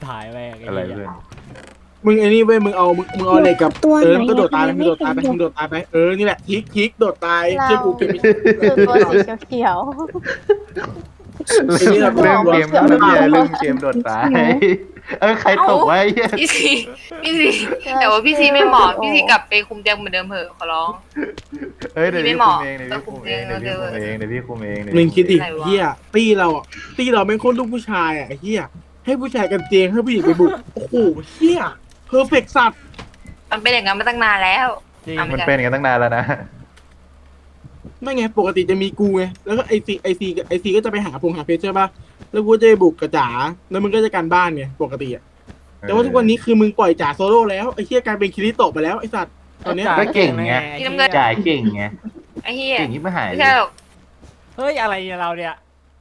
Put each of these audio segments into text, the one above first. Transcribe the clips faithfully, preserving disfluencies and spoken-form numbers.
ถ่ายแม่งอะไรเพื่อนมึงไอ้นี่เว้ยมึงเอามึงมึงเอาเหล็กกับตัวเอไหอน มึงก็โดดตายไปอะมึงโดดตายไปไม่เห็นมึงโดดตายไปเออนี่แหละทิกทิกโดดตายเราเชื่อกูเกมไม่คือตัวสีเขียวไอ้นี่เราเรื่องเกมเรื่เรื่องเกมเรื่องเกมโดดตายเออใครตกไว้เหี้ยพี่ซีพี่ซีแต่ว่าพี่ซีไม่เหมาะพี่ซีกลับไปคุมเตียงเหมือนเดิมเถอะขอร้องเฮ้ยเดี๋ยวไม่พี่เหคุมาะมเองเดี๋ยวพี่คุมเองเดี๋ยวพี่คุมเองเดี๋ยวพี่คุมเองเดี๋ยวมึงพี่คุมเองคิดดิเฮียตี้เราอ่ะตี้เราเป็นคนลูกผู้ชายอ่ะไอ้เฮียให้ผู้ชายกันเจงให้ผู้หญิงไปบุกโอ้โหเฮียเพอร์เฟกสัตว์มันเป็นอย่างนั้นมาตั้งนานแล้วจริงอ่ะมันเป็นกันตั้งนานแล้วนะไม่ไงปกติจะมีกูไงแล้วก็ไอซีไอซีไอซีก็จะไปหาพงหาเพชรใช่ป่ะแล้วกูก็จะไปบุกกับจ๋าแล้วมึงก็จะการบ้านไงปกติอ่ะแต่ว่าทุกวันนี้คือมึงปล่อยจ๋าโซโล่แล้วไอ้เฮียกลายเป็นคิริโตะไปแล้วไอ้สัตว์ตอนเนี้ยก็เก่งไง จ่ายเก่งไงไอ้เหี้ยเก่งที่ไม่หายไม่ใช่หรอกเฮ้ยอะไรเนี่ยเราเนี่ย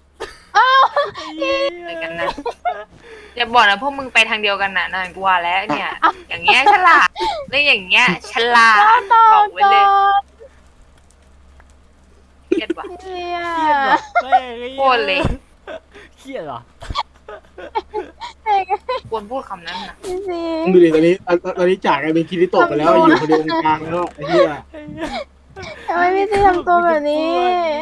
เหมือนกันนะอย่าบอกนะพวกมึงไปทางเดียวกันนะนั่นกูว่าแล้วเนี่ย อย่างเงี้ยฉลาดเรื่องอย่างเงี้ยฉลาดบอกไว้เลยเครียดว่ะเฮียเครียดเหรอโคตรเลยเครียดเหรอควรพูดคำนั้นนะพี่ซีมึงดูดิตอนนี้ตอนตอนนี้จ๋ากลายเป็นคิริโตะไปแล้วอยู่คนเดียวตรงกลางแล้วไอ้เฮียทำไมพี่ซีทำตัวแบบนี้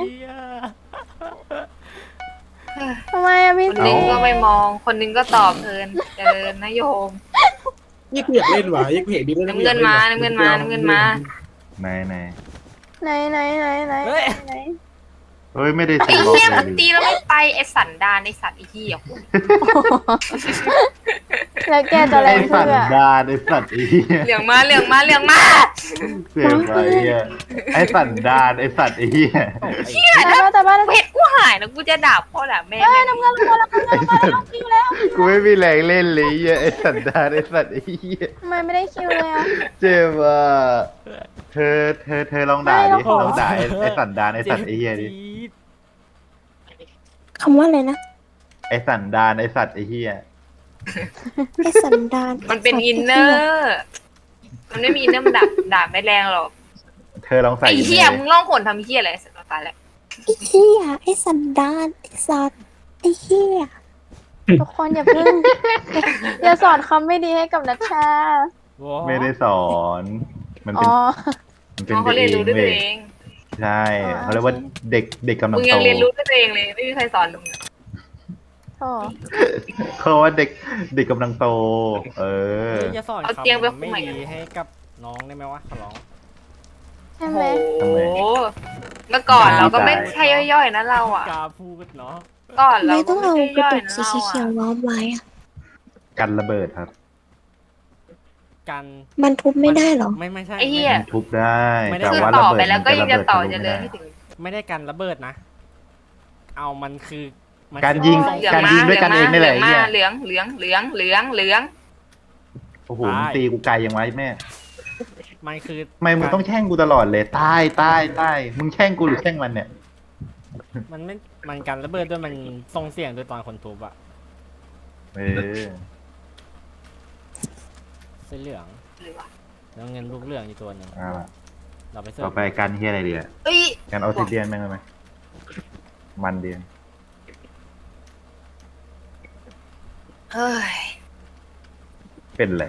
ทำไมอะพี่คนซีนึงก็ไม่มอง คนนึงก็ตอบเพลินเดินนะโยมนี่กูอยากเล่นว่ะยังกูเห็นดีด้วยน้ำเงินมาน้ำเงินมาน้ำเงินมาไหนไหนไหนไหนไหนไหนเฮ้ยไหนเฮ้ยไม่ได้ไอ้ซื้อบอกเหี้ยเลมันยตีแล้วไม่ไปไอ้สันดานไอ้สัตว์ไอ้เหี้ยแล้วแกจะอะไรไอ้สัเพื่ตอว์ดานไอ้สัตว์ไอ้เหี้ยเหลืองมาเหลืองมาเหลืองมาเสียไปอ่ะไอ้สัตว์ดานไอ้สัตว์ไอ้เหี้ยแต่ว่าแต่ว่าเห็ดกูหายนะกูจะด่าพ่อด่าแม่เฮ้ยแม่น้ำเงินลงมาแล้วน้ำเงินลงมาแล้วคิวแล้วกูไม่มีแรงเล่นเลยอ่ะไอ้สัตว์ดานไอ้สัตว์ไอ้เหี้ยทำไมไม่ได้คิวเลยอ่ะเจ็บอ่ะเธอเธอเธอลองด่าไม่ดิเราขอลองด่าไอ้ไอ้สัตว์ดานไอ้สัตว์ไอ้เหี้ยดิคำว่าอะไรนะไอ้สัตว์ดานไอ้สัตว์ไอ้เหี้ยไอ้สันดานมันเป็นอินเนอร์มันไม่มีอินเนอร์มันด่าด่าไม่แรงหรอกเธอลองใส่ไอ้เหี้ยมึงล่องหนทำเหี้ยอะไรสัตว์ตายแล้วไอ้เหี้ยไอ้สันดานไอ้สัตว์ไอ้เหี้ยทุกคนอย่าเพิ่งอย่าสอนคำไม่ดีให้กับนัชชาไม่ได้สอน มันอ๋เป็นอมันเป็นน้องเขาเรียนรู้ด้วยเว้ตัยวเองใช่อ๋อเขาเรียกว่าเด็กเด็กกำลังมึงโตยังเรียนรู้ด้วยตัวเองเลยไม่มีใครสอนมึงโอ้เขาว่าเด็กเด็กกำลังโต เออเฮ้ยอย่าสอนเอาคำเตียงไปไม่ใหม่ดีให้กับน้องได้ไหมวะขอร้องใช่โอ้ไหมโหเมื่อก่อนเราก็ไม่ใช่ย่อยๆนะเราอ่ะกล้าพูดเนาะก่อนเราไม่ก็ต้องไม่เอาใช่กระย่อยตุกนะสีเราเขียวอ่ะล้อมไว้อะกันระเบิดครับกันมันทุบไม่ได้เหรอไม่ไม่ใช่ไอ้เหี้ยทุบได้ไม่ได้แต่คือว่าต่ระอเบิดไปแล้วก็ยังจะต่อมันจะระเลยบิไม่ดถึงไม่ได้กันระเบิดนะ เอามันคือมันการยิงคือเหลืองการมายิงด้วยกันเองนี่แหละเหลืไอ้องเหี้มาย เหลืองเหลืองเหลืองเหลืองเหลืองโอ้โหมึงตีกูไกลยังไงแม่มันคือทำไมมึงต้องแช่งกูตลอดเลยใต้ใต้ใต้มึงแช่งกูหรือแช่งมันเนี่ยมันไม่มันกันระเบิดด้วยมันส่งเสียงโดยตอนคนทุบอะเออเส้นเหลืองหรือวะแล้วเงินลูกเหลืองอยู่ตัวหนึ่งเอาล่ะเราไปเสิต่ร์อฟไปกันเฮียอะไรดีอะเอ้ยกันออซิเดียนแม่งได้ไหมมันดีเฮ้ยเป็นไร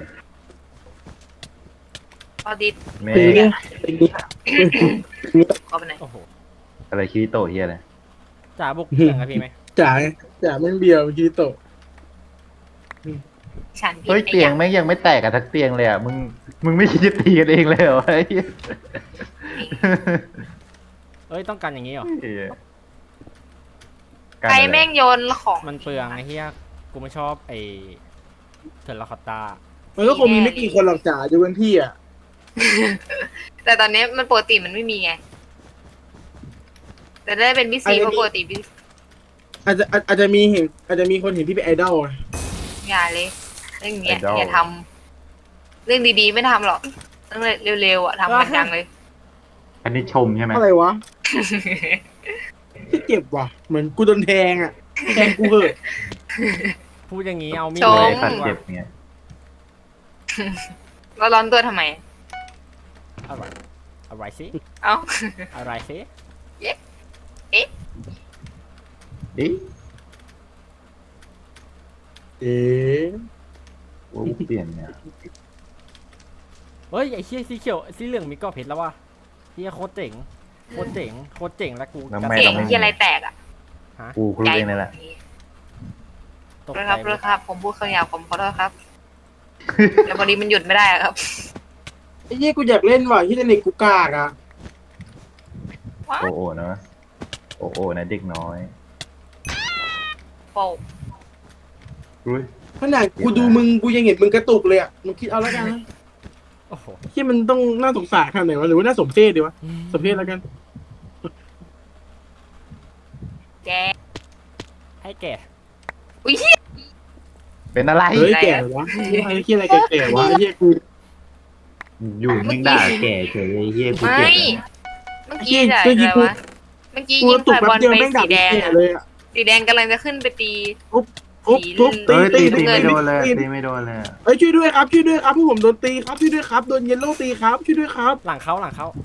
พอดีแม่ตีเนี่ยตีเนี่ยขอไปไหนอยโอ้โหอะไรคิริโตะเฮียอะไรจ่าบุกเหลืองกับพี่ไหมจ๋าจ๋าแม่งเบียวคิริโตะฉันผิดเฮ้ยไอ้เตียงหี้แม่งยังไม่แตกกันทักเตียงเลยอ่ะมึงมึงไม่คิดจะตีกันเองเลยเหรอไอ้เหี้ยเอ้ยต้องกันอย่างนี้เหรอเหี้ยใครแม่งโยนของมันเปลืองไอ้เหี้ยกูไม่ชอบไอ้เทอร์ราคอตตามันก็คงมีไม่กี่คนหรอกจ๋าอยู่กันพี่อ่ะแต่ตอนนี้มันปกติมันไม่มีไง แต่ได้เป็นพี่ซีเพราะปกติพี่อาจจะอาจอาจจะมีเห็นอาจจะมีคนเห็นพี่เป็นไอดอลอะอย่าเลยเรื่องเนี้ยอย่าทำเรื่องดีๆไม่ทำหรอกเรื่องเร็วๆอ่ะทำกันจังเลยอันนี้ชมใช่ไหมอะไรวะที่เจ็บว่ะเหมือนกูโดนแทงอ่ะแทงกูเหอะพูดอย่างนี้เอามีดชไอ้มสัตว์เจ็บเนี่ยเราร้อนตัวทำไมอะไรอะไรสิเอ้าอะไรสิดิเอ๊ะว่ากูเปลี่ยนเนี่ยเฮ้ยไอ้เชี่ยสีเขียวสีเหลืองมีเกาะเพชรแล้ววะเฮียโคตรเจ๋งโคตรเจ๋งโคตรเจ๋งแล้วกูแล้วกระไม่เก่งแตกที่อะไรแตกอ่ะกูครูเองนี่แหละตกเลยใจครับหมเลยดครับ ผมพูดคำหยาบผมขอโทษครับ แต่พอดีมันหยุดไม่ได้อะครับไอ้เหี้ยกูอยากเล่นว่ะที่เน็ตกูกากอ่ะว้าโอโอนะโอโอนะเด็กน้อยโป่อุ้ยขนาดกูดูมึงกูยังเห็นมึงกระตุกเลยอ่ะมึงคิดเอาแล้วกันนะโอ้โหที่มันต้องน่าสงสารขนาดไหนวะหรือว่าน่าสมเพชดีวะสมเพชแล้วกันแกให้แก่อุ้ยเป็นอะไรเฮ้ยแก่วะไอ้เหี้ยอะไรแก่ๆวะไอ้เหี้ยกูอยู่นิ่งด่าแก่เฉยไอ้เหี้ยกูไม่เก่งเมื่อกี้อะอะไรวะเมื่อกี้กูยิกงระตุกไฟแป๊บบ อลเดียวไปแม่งดัสีบแดงแก่อะเลยอ่ะสีแดงกำลังจะขึ้นไปตีทุบทุบเฮ้ยตีตีตีไม่โดนเลยตีตีไม่โดนเลยเอ้ยช่วยด้วยครับช่วยด้วยครับพวกผมโดนตีครับช่วยด้วยครับโดนเยลโล่ตีครับช่วยด้วยครับหลังเขาหลังเขา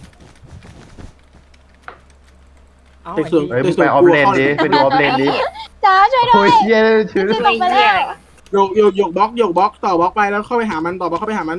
เอาแต่ไอ้ส่วนเหี้ยเฮ้ยมึงไปออฟเลนดิไปดูออฟเลนดิจ้าช่วยด้โอ้วยยเหี้ยชื่อจะตกไปแล้วโยกโยกโยกบล็อกโยกบล็อกต่อบล็อกไปแล้วเข้าไปหามันต่อบล็อกเข้าไปหามัน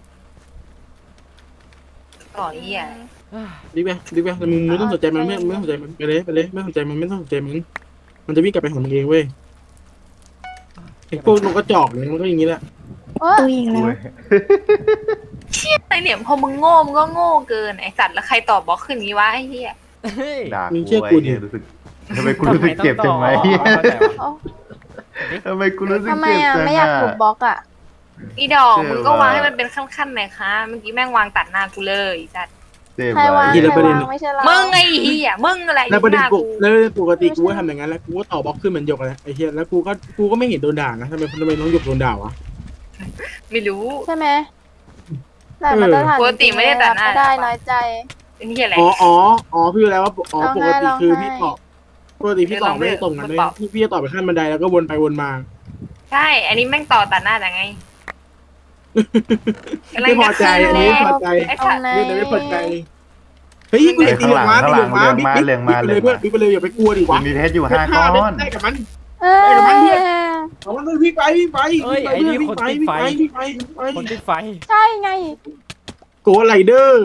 ต่อเหี้ยดิไปดิไปแต่มึงไม่ต้องสนใจมันไม่ไม่ต้องสนใจมันไปเลยไปเลยไม่ต้องสนใจมันไม่ต้องสนใจมันมันจะวิ่งกลับไปหามึงเองเว้ยไอ้พวกนกกระจอกเนี่ยมันก็อย่างนี้แหละเออตัวอีกแล้วเชี่ยอะไรเนี่ยพอมึงโง่มึงก็โง่เกินไอสัตว์แล้วใครตอบบล็อกขึ้นงี้วะไอ้เหี้ยเฮ้ยด่ากูไอ้เหี้ยรู้สึกทำไมกูรู้สึกเจ็บจังไหมทำไมต้องต่อเอาทำไมกูรู้สึกทำไมเจ็บอ่ะจังไม่อยากถูกบล็อกอ่ะอีดอกเชื่อมึงก็วางว่าให้มันเป็นขั้นๆหน่อยค่ะเมื่อกี้แม่งวางตัดหน้ากูเลยไอ้สัตว์เจ็บใครวางว่ะใครวางไม่ใช่เรามึงไอ้เหี้ยมึงอะไรแล้วประเด็นหน้าปกูกแล้วปกติกูก็ทำอย่างนั้นแล้วกูก็ต่อบล็อกขึ้นเหมือนหยกเลยไอ้เหี้ยแล้วกูก็กูก็ไม่เห็นโดนด่านะทำไมทำไมน้องหยกโดนด่าวะไม่รู้ใช่ไหมแต่มาตรฐานปกติไม่ได้ตัดหน้าไม่ได้น้อยใจเป็นเหี้ยอะไรอ๋ออ๋ออ๋อพี่รู้แล้วว่าอ๋อร้องปไห้กติร้องคือไห้พี่ตอบปกติพี่ตอบไม่ได้ตรงกันเลยพี่พี่จะตอบไปขั้นบันไดแล้วก็วนไปวนมาใช่ อันนี้แม่งต่อตัดหน้าแต่ไง อะไรไม่พอใจอันนี้ไม่พอใจไอ้ตรสังตว์ไหนเรื่องไม่พอใจเฮ้ยกูจะตีเหลืองมาตีเหลืองมาบิ๊กบิ๊กบิ๊กไปเลยเพื่อนบิ๊กไปเลยอย่าไปกลัวดิกูวะมีเพชรอยู่ห้าฆ่าก้อนได้กับมันเออเอามันเลยวิ่งไปวิ่งไปเอ้ยไอ้นี่วิ่งคนไปติดวิ่งไฟไปวิ่งไปวิ่งไปคนติดไฟใช่ไงโกไรเดอร์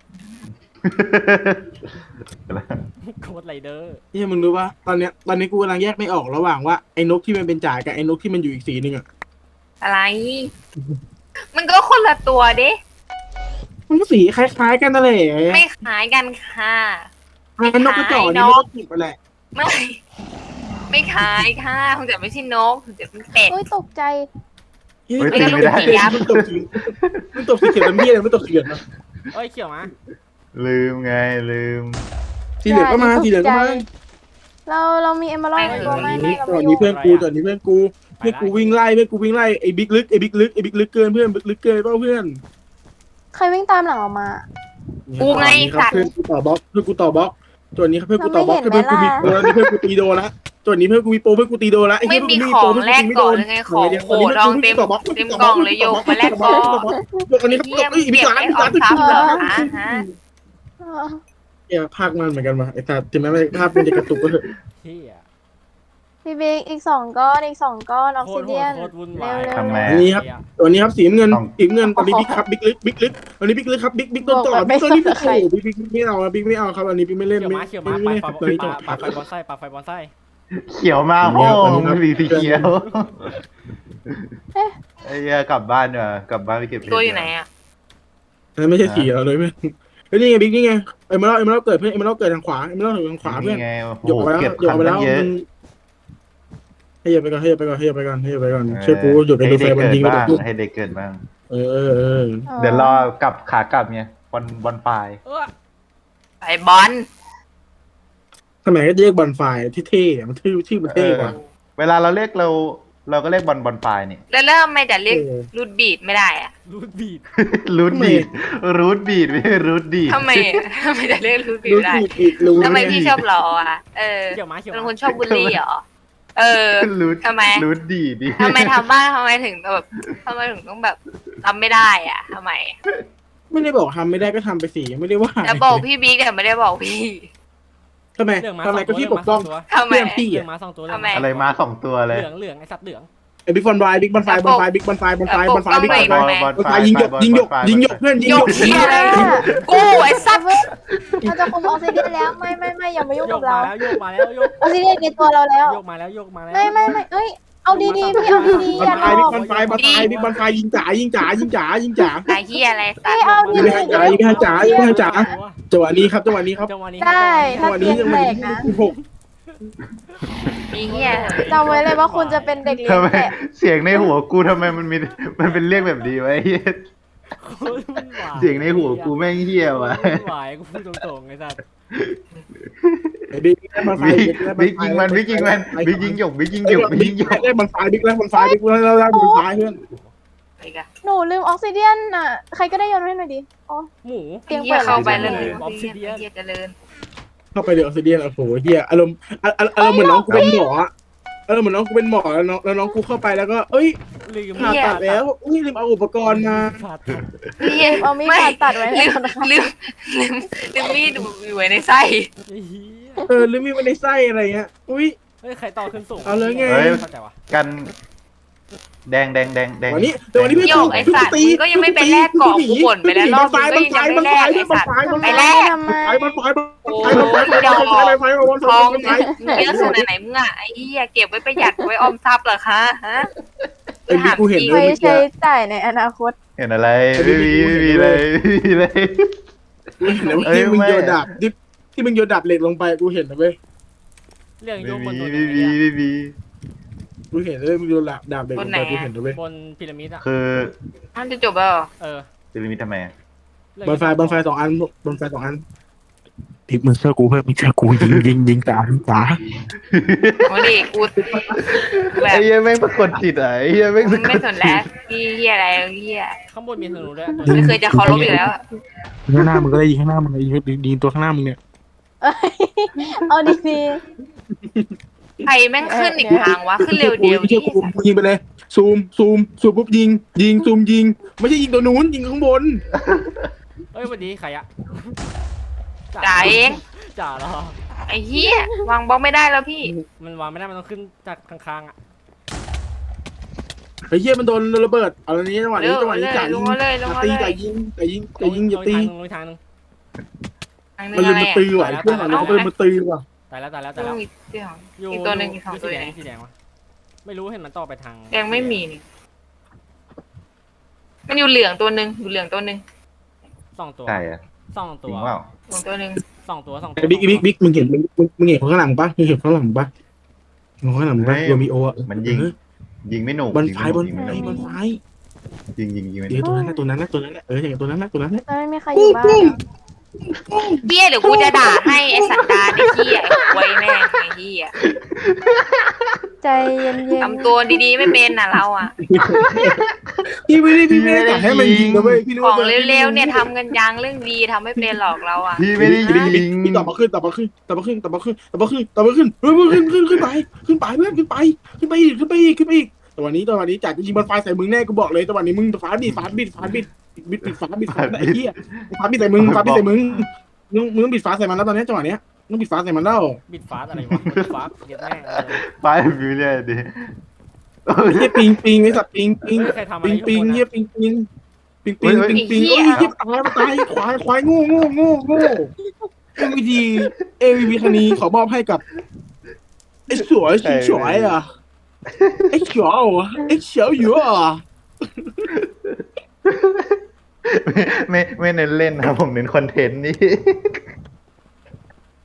โคตรไรเดอร์นี่มึงรู้ป่ะตอนเนี้ยตอนนี้กูกำลังแยกไม่ออกระหว่างว่าไอ้นกที่มันเป็นจ่ายกับไอ้นกที่มันอยู่อีกสีหนึ่งอ่ะอะไร มันก็คนละตัวเด้มันก็สีคล้ายๆกันนั่นแหละไม่ขายกันค่ะไอ้นกกระจอกนี่มันก็ติดไปแหละไม่ ไม่ขายค่ะคงจะไม่ใช่นกคงจะเป็นเป็ดอุ้ยตกใจเฮ้ยตีไม่ได้มันตกสีมันตกสีเขียวมันพี่อะไรมันตกสีเหลืองนะเอ้ยเขียวมาลืมไงลืมสีเหลืองก็มาสีเหลืองก็มาเราเรามีเอมเบอร์ในตัวไม่ไม่เราตอนไม่นี้อยู่เพื่อนกูตอนนี้เพื่อนกูเพื่อนกูวิ่งไล่เพื่อนกูวิ่งไล่ไอ้บิ๊กลึกไอ้บิ๊กลึกไอ้บิ๊กลึกเกินเพื่อนบิ๊กลึกเกินเปล่าเพื่อนใครวิ่งตามหลังออกมากูไงครับสัตว์เพื่อนกูต่อบล็อกเพื่อนกูต่อบล็อกตัวนี้ครับเพื่อนกูต่อบล็อกเพื่อนกูมีโปรนี่เพื่อนกูตีโดละตัวนี้เพื่อนกูมีโปรเพื่อนกูตีโดละไอ้ไม่เหี้ยมีของแลกก่อนเลยไงของโหดองเต็มเต็มกล่องเลยโยกมาแลกก่อนอันนี้ครับเยี่ยมเอ้ยบิ๊เก็กบล้านไอ้บิ๊กออล้านมทรัพย์เหรอฮะฮะเออเนี่ยภาคมันเหมือนกันมาไอ้ตาถึงแม้ภาพมันจะกระตุกก็เถอะเฮียพี่บิ๊กอีกสองก้อนอีกสองก้อนออกโคซิตรโหเดียดนโคตรวุ่นเร็วาวย เร็วทำไมเร็วนี่ครับ ตัวนี้ครับสีน้ำเงินสีน้ำเงินตอนนี้บิ๊กครับบิ๊กลึกบิ๊กลึกตอนนี้บิ๊กลึกครับบิ๊กบิ๊กต้นต่อบิ๊กตัวนี้โอ้โหบิ๊กบิ๊กไม่เอาบิ๊กไม่เอาครับอันนี้บิ๊กไม่เล่นเขียวไม่มาเขียวมาไม่ปาไม่ปาตัวนี้จบปาไฟบอลไส้ปาไฟบอลไส้เขียวมาโอ้มันสีสีเขียวไอ้เหี้ยกลับบ้านเนอะกลับบ้านไปเก็บเพชรตัวอยู่ไหนอ่ะอันนั้นไม่ใช่สีเราเลยเพื่อนเฮ้ยนี่ไงบิ๊กนี่ไงเอ็มเมอรัลเอ็มเมอรัลเกิดเพื่อนเอ็มเมอรัลเกิดทางขวาเอ็มเมอรัลทางขวาเพื่อนนี่ไงโอ้หยกโหไปแล้วเก็บหยกขันไปตั้แล้งวเยอะให้หยกไปก่อนให้หยกไปก่อนให้หยกไปก่อนให้หยกไปก่อนให้หยกไปก่อนช่วยกูหยุดไปให้ดูไฟเด็กบอลเกิดยิงไปบ้างดูให้เด็กเกิดบ้างเออเออเออเดี๋ยวรอกลับขากลับไงบอลบอลปลายเออไอ้บอลสมัยก็เรียกบอลไฟที่เท่ๆมันชื่อชื่อมันเท่กว่าเวลาเราเรียกเราเราก็เรียกบอลบอลปลายนี่แล้วเริ่มไม่จะเรียกเออรูดบีดไม่ได้อ่ะรูดบีดรูทบีดรูทบีดไม่ใช่รูทดีดทำไมอะทำไมจะเรียกรูดบีดรู้ไม่ได้สึกอีกรู้ทำไมพี่ชอบล้ออ่ะเออเขียวมาเขียวเป็นมาคนชอบบูลลี่เหรอเออรูททำไมรูทดีดดิทำไมทำบ้างทำไมถึงแบบทำไมถึงต้องแบบทำไม่ได้อ่ะทำไมไม่ได้บอกทำไม่ได้ก็ทำไปสิไม่ได้ว่าจะบอกพี่บิ๊กแต่ไม่ได้บอกพี่ทำไมเหลืองมาทำไมสก็องตัวพี่ปกป้องเหลืทำไมเพื่อนพี่เหลืออะงมาสองตัวทำไมอะไรมาสองตัวเลยเหลืองเหลืองไอสัตว์เหลืองไอ้บิ๊กบอลไฟบิ๊กบอลไฟบอลไฟบิ๊กบอลไฟบอลไฟบอลไฟบิ๊กบอลไฟบอลบอลบอลไฟยิงหยกยิงหยกยิงหยกเพื่อนยิงโยหยกกเฮียอะไรกูไอ้สัตว์เราจะคุมออกซิเดียนแล้วไม่ไม่ไม่อย่ามายุ่งโยกับกมาเราแล้วโยกมาแล้วโยกออกซิเดียนในตัวเราแล้วโยกมาแล้วโยกมาแล้วไม่ไม่ไม่เอ้ยเอาดีๆพี่เอาดีๆบออย่าลหไฟลบิ๊อก กบอลไฟบอลไฟบิ๊กบอลไฟยิงจ๋ายิงจ๋ายิงจ๋ายิงจ๋าไอ้เฮียอะไรสัตพี่ว์เอาดียิงให้จ๋ายิงให้จ๋ายิงให้จ๋าจังหวะนี้ครับจังหวะนี้ครับจังหวะนี้ได้จัถ้างหวะเตีนี้ยงจังหแตวะกนี้นะหกมีเฮียจำไว้เลยว่าคุณจะเป็นเด็กเลี้ยทำงไมแกะเสียงในหัวกูทำไมมันมีมันเป็นเรียกแบบดีวะไอ้เหี้ยเสียงในหัวกูแม่งเหี้ยวะหวายกูพูดตรงๆไอ้สัสไอ้บิ๊กได้บอลไฟบิ๊กบิ๊กยิงมันบิ๊กยิงมันบิ๊กยิงหยกบิ๊กยิงหยกบิ๊กยิงหยกได้บอลไฟบิ๊กแล้วบอลไฟบิ๊กแล้วแล้วแล้วบอลไฟเพื่อนไอ้กะหนูลืมออกซิเดียนอ่ะใครก็ได้โยนให้หน่อยดิอ๋อหมูเตียงเฮีเปิยดเข้าไปแล้เลวยออฟซิเดียนเฮียเจริญเข้าไปเดี๋ยวออสเตรเลียนโอ้โหเฮียอารมณ์อารมณ์เหมือนน้องกูเป็นหมอเออเหมือนน้องกูเป็นหมอแล้วน้องแล้วน้องกูเข้าไปแล้วก็เอ้ยลืมผ่าตัดแล้วอุ้ยลืมเอาอุปกรณ์มาผ่าตัดเฮียเอามีดผ่าตัดไว้ให้ลืมก่อนนะคะลืมลืมลืมมีดอยู่ไว้ในไส้ไอ้เหี้ยเออลืมมีไว้ในไส้อะไรเงี้ยอุ้ยเฮ้ยใครต่อขึ้นสูงเอาเลยไงเข้าใจวะกันแดงแดงแดงแดงวันนี้แต่วันนี้พี่โยกไอ้สัตว์มึงก็ยังไม่ไปแลกเกาะกูบ่นไปแล้วรอบนึงก็ยังจะไม่แลกไอ้สัตว์ไปแลกทำไมไฟบอลไฟบอลไฟบอลไฟบอลไฟบอลไฟบอลไฟบอลไฟทองบอลไฟมึงเยอะขนาดไหนมึงอ่ะไอ้เหี้ยเก็บไว้ประหยัดไว้ออมทรัพย์เหรอคะฮะไอ้บิ๊กกูเห็นเลไว้ยเมื่อใช้กี้จ่ายในอนาคตเห็นอะไรไม่มีไม่มีเลยไม่มีเลยกูเห็นแล้วที่มึงโยนดาบที่ที่มึงโยนดาบเหล็กลงไปกูเห็นนะเว้ยเรื่องโยไม่กบมีนตัวไม่นี้มีไม่มีกูเห็นเลยมึงโยนดาบดาบเหล็กลงไปกูเห็นนะเว้ยบนพีระมิดอ่ะคือมันจะจบแล้วเหรอเออจะมีทำไมบอลไฟบอลไฟสองอันบอลไฟสองอันพิกมึงเชื่อกูเพิ่มมึงเชื่อกูยิงยิงยิงตายิงตามาดิกูแบไอ้บเหี้ยแม่งสะกดจิตอ่ะไอ้เหี้ยแม่งมึสะงกไม่ดสนแล้วพี่เหี้ยอะไรเหี้ยข้างบนมีธนูด้วยไม่เคยจะเคารพอีกแล้วข้างหน้ามึงก็ได้ยิงข้างหน้ามึงยิงยิงตัวข้างหน้ามึงเนี่ยเอ้ยเอาดีใครแม่งขึ้นอีกทางวะขึ้นเร็วเดียวเชื่ดิอกูยิงไปเลยซูมซูมซูมปุ๊บยิงยิงซูมยิงไม่ใช่ยิงตัวนู้นยิงข้างบนเฮ้ยวันนี้ใครอะจ่าเองจ่าเหรอไอ้เหี้ยวางบล็อกไม่ได้แล้วพี่มันวางไม่ได้มันต้องขึ้นจากข้างๆอ่ะไอ้เหี้ยมันโดนระเบิดเอาอันนี้จังหวะเร็นี้วจังหวะนี้เลยจ่ายลยิงงมาเลยลงมาตีเลจ่าย ยยิงจ่ายยิงจ่ายยิงอย่าตีลงอีกทางหนึงทางนึมันงเลยอะไรมาอ่ะตีว่ะไอ้เพื่อนเราก็เลยมาตีว่ะตายแล้วตายแล้วต้ตายอแล้วงอีกเดียวอยู่อีกตัวหนึ่งอีกสองยู่ตัวสีไหแดนงสีแดงวะไม่รู้เห็นมันต่อไปทางยังไม่มีนี่มันอยู่เหลืองตัวหนึ่งอยู่เหลืองตัวหนึ่งสองตัวใช่อ่ะสองจตัริวงเปล่าเหลืองตัวหนึ่งสองตัวสองตัวไอ้บิ๊กบิ๊กบิ๊กมึงเห็นมึงมึงมึงเห็นข้างหลังปะมึงเห็นข้างหลังปะมึงข้างหลังปะโรมิโออ่ะมันยิงยิงไม่หนุกบอลยิงไฟไม่หบนุอก ลยิงไฟไม่หนุกบอลไฟยิงยิงยิงไม่หเดี๋นุยวกตัวนั้นนะตัวนั้นนะตัวนั้นนะเอออย่างตัวนั้นนะตัวนั้นนะๆไม่มีใครอยู่บ้านอะเหี้ยเดี๋ยวกูจะด่าให้ไอ้สันดานไอ้เหี้ยไอ้ควยแม่งไอ้เหี้ยใจเย็นๆทำตัวดีๆไม่เป็นน่ะเราอ่ะพี่ไม่ได้พี่ไม่ได้อยากให้มันยิงนะเว้ยพี่รู้ของว่าเร็วๆเนี่ยทำกันยังเรื่องดีทำไม่เป็นหรอกเราอ่ะพี่ไม่ได้ยิงพี่ต่อมาขึ้นต่อมาขึ้นต่อมาขึ้นต่อมาขึ้นต่อมาขึ้นต่อมาขึ้นเฮ้ยขึ้นขึ้นขึ้นไปขึ้นไปเพื่อนขึ้นไปขึ้นไปอีกขึ้นไปอีกขึ้นไปอีกแต่วันนี้ตอนนี้จ่าจะยิงบอลไฟใส่มึงแน่กูบอกเลยแต่วันนี้มึงฟ้าบิดฟ้าบิดฟ้าบิดบิดบิดฟ้าบิดฟ้าไอ้เหี้ยฟ้าบิดใส่มึงฟ้าบิดใส่มึงมึงมึงต้องบิดฟ้าใส่มันแล้วตอนนี้จังหวะเนี้ยต้องบิดฟ้าใส่มันแล้วบิดฟ้าอะไรวะบิดฟ้าเดี๋ยวแม่งเลยไปฟิวเลยดิเฮียปิงปิงไอ้สัตว์ปิงปิงไม่เคยทำอะไรปิงปิงข้างบนอะเฮียปิงปิงปิงปิงปิงปิงเอ้ยเฮียตายตายควายควายโง่โง่โง่โง่เอ็มวีดีเอวีวีคันนี้ขอมอบให้กับไอ้สวยสีสวยอ่ะไอ้เขียวอ่ะไอ้เขียวอยู่อ่ะไม่ไม่เน้นเล่นนะผมเน้นคอนเทนต์นี่